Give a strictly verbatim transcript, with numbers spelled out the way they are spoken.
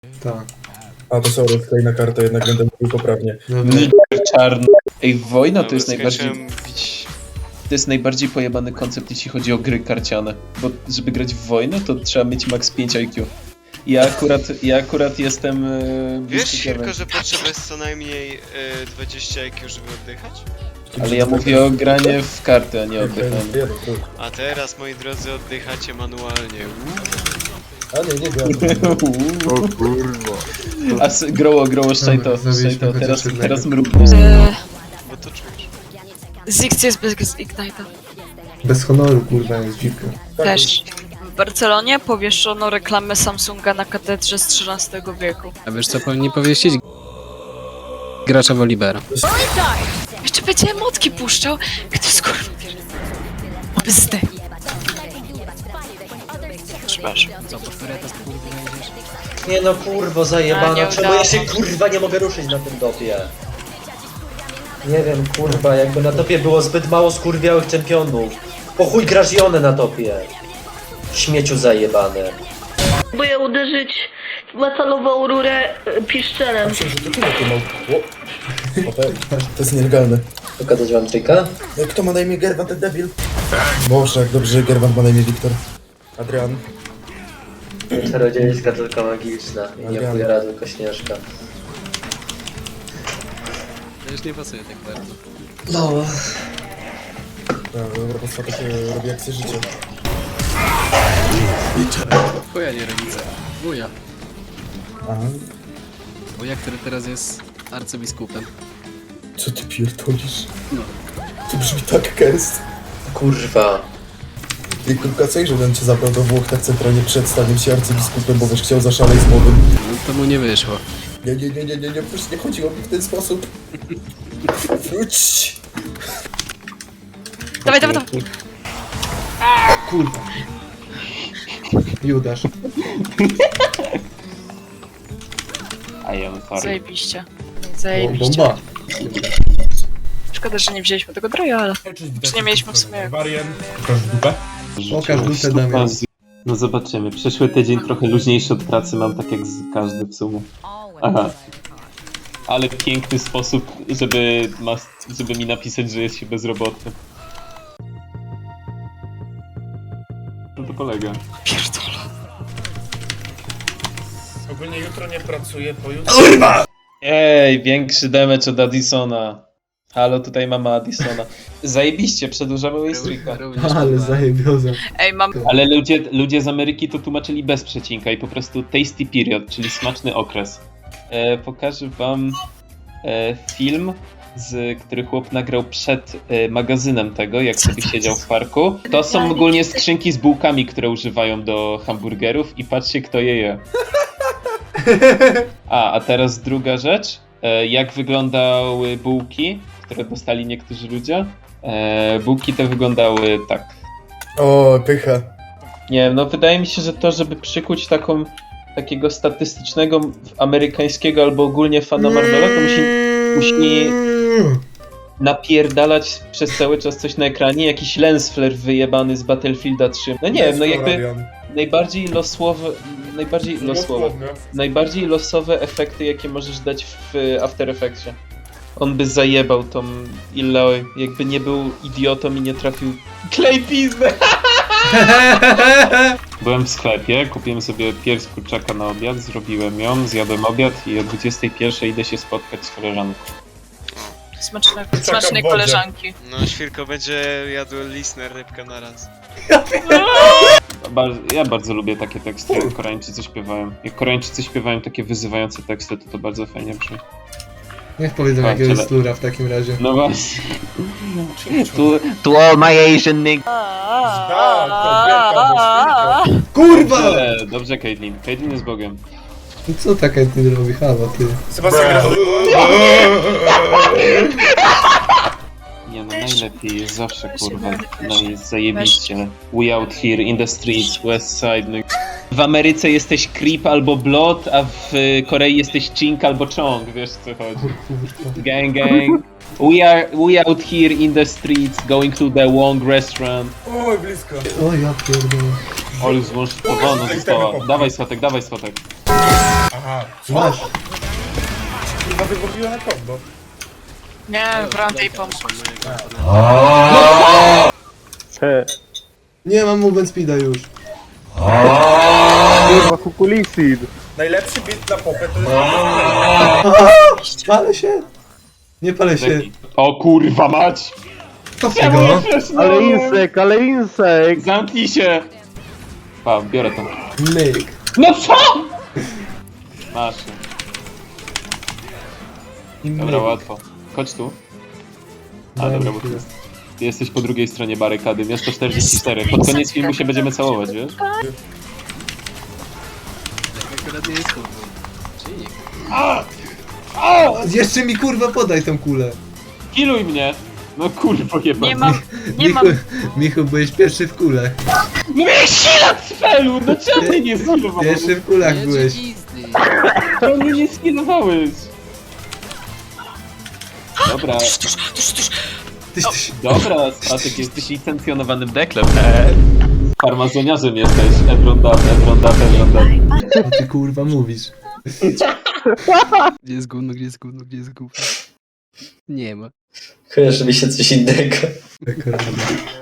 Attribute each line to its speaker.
Speaker 1: Tak.
Speaker 2: A to sorry, tutaj na kartę jednak będę mówił poprawnie.
Speaker 3: Niger czarny. Ej, wojna to jest
Speaker 4: Dobra,
Speaker 3: najbardziej...
Speaker 4: skończyłem bić.
Speaker 3: To jest najbardziej pojebany koncept, jeśli chodzi o gry karciane. Bo żeby grać w wojnę, to trzeba mieć max pięć I Q. Ja akurat, ja akurat jestem... Yy,
Speaker 4: Wiesz, Świrko, że potrzeba jest co najmniej y, dwadzieścia I Q, żeby oddychać?
Speaker 3: Ale ja mówię o granie w karty, a nie o oddychaniu.
Speaker 4: A teraz, moi drodzy, oddychacie manualnie.
Speaker 2: A nie, nie gram.
Speaker 1: O kurwa.
Speaker 3: A s- groło, groło, szczajto,
Speaker 1: zabiliśmy
Speaker 3: szczajto,
Speaker 1: chociaż
Speaker 3: teraz,
Speaker 1: jednego.
Speaker 3: teraz mrugnij.
Speaker 5: Eee,
Speaker 4: Bo to czujesz.
Speaker 5: Ziggs jest bez Ignite'a.
Speaker 1: Bez honoru kurwa jest dziwka.
Speaker 5: Też. W Barcelonie powieszono reklamę Samsunga na katedrze z trzynastego wieku.
Speaker 6: A wiesz co powinni powiesić? Gracza Wolibera.
Speaker 5: Jeszcze będzie emotki puszczał. Kto skurwa? Bzdy. Przepraszam.
Speaker 6: Co, po które to kurwa idziesz?
Speaker 7: Nie no kurwo
Speaker 5: A,
Speaker 7: zajebana,
Speaker 5: nie
Speaker 7: czemu
Speaker 5: udało.
Speaker 7: ja się kurwa nie mogę ruszyć na tym topie? Nie wiem kurwa, jakby na topie było zbyt mało skurwiałych czempionów. Po chuj grasz Jonę na topie. Śmieciu zajebane.
Speaker 8: Próbuję uderzyć w metalową rurę e, piszczelem.
Speaker 2: Myślę, że to tyle to mał. O, o, to, to jest nielegalne.
Speaker 7: Pokazać wam trika?
Speaker 2: Kto ma na imię Gerwan, ten debil? Boże, jak dobrze, że Gerwan ma na imię Wiktor. Adrian.
Speaker 7: Czarodziejska tylko magiczna i nie
Speaker 2: Adrian.
Speaker 7: chujera tylko Śnieżka.
Speaker 6: To już nie pasuje tak bardzo.
Speaker 7: No.
Speaker 2: Tak, dobra, po prostu takie robi akcje życia.
Speaker 6: Chuja nie rodzice. Wuja.
Speaker 2: Aha.
Speaker 6: Wuja, który teraz jest arcybiskupem.
Speaker 2: Co ty pierdolisz?
Speaker 6: No.
Speaker 2: To brzmi tak kerst.
Speaker 7: Kurwa.
Speaker 2: I kurka, co że ten cię zabrał do Włoch tak centralnie przed staniem się arcybiskupem, bo wiesz, chciał zaszaleć z młodym.
Speaker 6: No to mu nie wyszło.
Speaker 2: Nie, nie, nie, nie, nie, nie, przecież nie chodziło mi w ten sposób. Wróć!
Speaker 5: Dawaj, dawaj, dawaj.
Speaker 1: Kurwa. Judasz.
Speaker 3: A ja mam farę.
Speaker 5: Zajebiście.
Speaker 1: O,
Speaker 5: Zajebiście.
Speaker 1: bomba.
Speaker 5: Szkoda, że nie wzięliśmy tego droja, ale... Czy nie mieliśmy w sumie...
Speaker 1: Pokaż dupę Damian.
Speaker 3: No zobaczymy. Przyszły tydzień trochę luźniejszy od pracy mam, tak jak z każdy w sumie. Aha. Ale piękny sposób, żeby, ma, żeby mi napisać, że jest się bezrobotny. No to polega.
Speaker 5: Pierdolę.
Speaker 9: Ogólnie jutro nie pracuję, pojutrze...
Speaker 3: Ej, większy damage od Addisona. Halo, tutaj mamy Addisona. Zajebiście, przedłużamy Waystreaka.
Speaker 6: Również
Speaker 1: Ale
Speaker 6: kurwa.
Speaker 1: zajebioza.
Speaker 5: Ej, mam...
Speaker 3: Ale ludzie, ludzie z Ameryki to tłumaczyli bez przecinka i po prostu tasty period, czyli smaczny okres. E, pokażę wam e, film, z, który chłop nagrał przed e, magazynem tego, jak sobie siedział w parku. To są ogólnie skrzynki z bułkami, które używają do hamburgerów i patrzcie, kto je je. A, a teraz druga rzecz. E, jak wyglądały bułki, które dostali niektórzy ludzie? E, bułki te wyglądały tak.
Speaker 2: O, pycha.
Speaker 3: Nie wiem, no wydaje mi się, że to, żeby przykuć taką, takiego statystycznego amerykańskiego albo ogólnie fana Marvela, to musi, musi napierdalać przez cały czas coś na ekranie, jakiś lens flare wyjebany z Battlefielda trzy. No nie wiem, no jakby najbardziej losowe, najbardziej losowe, najbardziej losowe efekty, jakie możesz dać w After Effectsie. On by zajebał tą Illoi, jakby nie był idiotą i nie trafił klej pizdę. Byłem w sklepie, kupiłem sobie pierś kurczaka na obiad, zrobiłem ją, zjadłem obiad i o dwudziestej pierwszej idę się spotkać z koleżanką.
Speaker 5: Smaczne, smacznej koleżanki.
Speaker 4: No, Świrko będzie jadł listener rybkę na raz.
Speaker 3: Bar ja bardzo lubię takie teksty, jak Koreańczycy śpiewają. Jak Koreańczycy śpiewają takie wyzywające teksty, to to bardzo fajnie brzmi.
Speaker 1: Niech powiedzą
Speaker 3: A,
Speaker 1: jakiegoś
Speaker 3: tyle.
Speaker 1: slura w takim razie.
Speaker 3: No właśnie. To, to all my Asian niggas.
Speaker 1: Kurwa!
Speaker 3: Dobrze, dobrze Caitlyn. Caitlyn jest Bogiem.
Speaker 1: Co taka ty robi? Halo ty.
Speaker 9: Sebastian gra...
Speaker 3: Nie no, najlepiej jest zawsze kurwa. No jest zajebiście. We out here in the streets, west side. No. W Ameryce jesteś creep albo blood, a w Korei jesteś chink albo chong, wiesz o co chodzi. Gang gang. We are we out here in the streets, going to the Wong restaurant.
Speaker 2: Oj, blisko.
Speaker 1: O ja pierdolę.
Speaker 3: O, już złącz powolno została. Dawaj swatek, dawaj swatek.
Speaker 9: Aha, co?
Speaker 1: Masz.
Speaker 9: Kurwa wygubiła na kombo.
Speaker 5: Nie, Brandy pomógł.
Speaker 1: Nie mam movement speeda już.
Speaker 10: Kurwa, kukulisid.
Speaker 9: Najlepszy bit na popę to jest...
Speaker 1: Palę się. Nie palę się.
Speaker 3: O kurwa mać!
Speaker 1: Cofnij go.
Speaker 10: Ale insek, ale insek.
Speaker 3: Zamknij się! Pa, biorę to.
Speaker 1: Myk.
Speaker 3: No co?! Masz.
Speaker 1: I
Speaker 3: Dobra,
Speaker 1: myk.
Speaker 3: łatwo. Chodź tu. A
Speaker 1: Daj mi
Speaker 3: dobra, bo
Speaker 1: chwilę.
Speaker 3: ty, ty jesteś po drugiej stronie barykady. Miasto czterdzieści cztery. Pod koniec filmu się będziemy całować, wiesz?
Speaker 1: Jeszcze mi kurwa podaj tą kulę.
Speaker 3: Kiluj mnie! No kurwa jebany.
Speaker 5: Nie mam, nie
Speaker 1: Michu,
Speaker 5: mam.
Speaker 1: Michu, byłeś pierwszy w kulach.
Speaker 3: No miałeś silat z felu! No czemu mnie nie skilowałeś?
Speaker 1: Pierwszy w kulach byłeś.
Speaker 3: Czemu mnie nie skilowałeś? Dobra,
Speaker 1: Tyś, tyś.
Speaker 3: dobra, Statek, jesteś licencjonowanym deklem. Eee. Farmazoniarzem jesteś. Ebron dat, Ebron dat, Ebron dat.
Speaker 1: Co ty kurwa mówisz?
Speaker 6: Gdzie jest gówno, gdzie jest gówno, gdzie jest gówno? Nie ma.
Speaker 7: Kojarzy mi się coś innego.
Speaker 1: Akurat.